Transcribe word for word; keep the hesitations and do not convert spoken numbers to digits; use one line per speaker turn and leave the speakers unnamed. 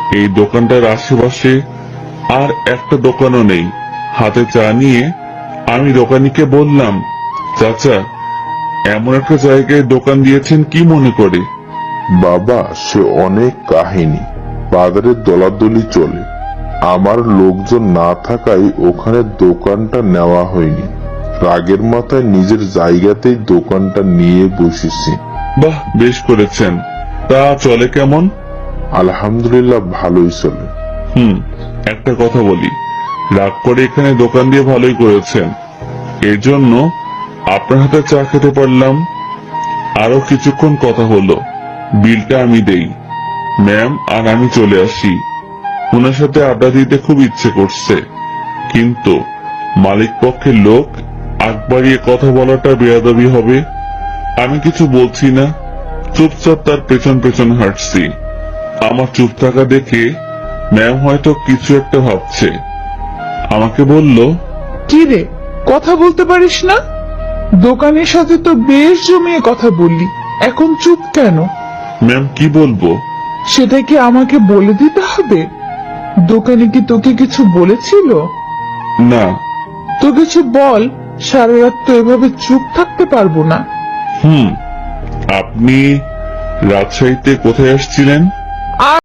এই দোকানটার আশেপাশে আর একটা দোকানও নেই। হাতে চা নিয়ে আমি দোকানিকে বললাম, চাচা, এমন একটা জায়গায় দোকান দিয়েছেন কি মনে করে?
বাবা, সে অনেক কাহিনী। বাজারে দলাদলি চলে। আমার লোকজন না থাকায় ওখানে দোকানটা নেওয়া হয়নি। রাগের মাথায় নিজের জায়গাতেই দোকানটা নিয়ে বসেছি।
বাহ, বেশ করেছেন। তা চলে কেমন?
আলহামদুলিল্লাহ, ভালোই চলে।
হুম, একটা কথা বলি, রাগ করে এখানে দোকান দিয়ে ভালোই করেছেন। এর জন্য আপনার হাতে চা খেতে পারলাম। আরো কিছুক্ষণ কথা হলো, বিলটা আমি দেই। ম্যাম আর আমি চলে আসি। ওনার সাথে আড্ডা দিতে খুব ইচ্ছে করছে, কিন্তু মালিক পক্ষের লোক আগ বাড়িয়ে কথা বলাটা বেয়াদবি হবে। আমি কিছু বলছি না, চুপচাপ তার পেছন পেছন হাঁটছি। আমার চুপ থাকা দেখে ম্যাম হয়তো কিছু একটা ভাবছে। আমাকে বলল,
কি রে, কথা বলতে পারিস না? দোকানের সাথে তো বেশ জমিয়ে কথা বললি, এখন চুপ কেন?
ম্যাম কি বলবো?
সেটা কি আমাকে বলে দিতে হবে? দোকানে কি তোকে কিছু বলেছিল?
না।
তো কিছু বল, সারা রাত তো এভাবে চুপ থাকতে পারবো না।
হুম, আপনি রাজশাহীতে কোথায় আসছিলেন?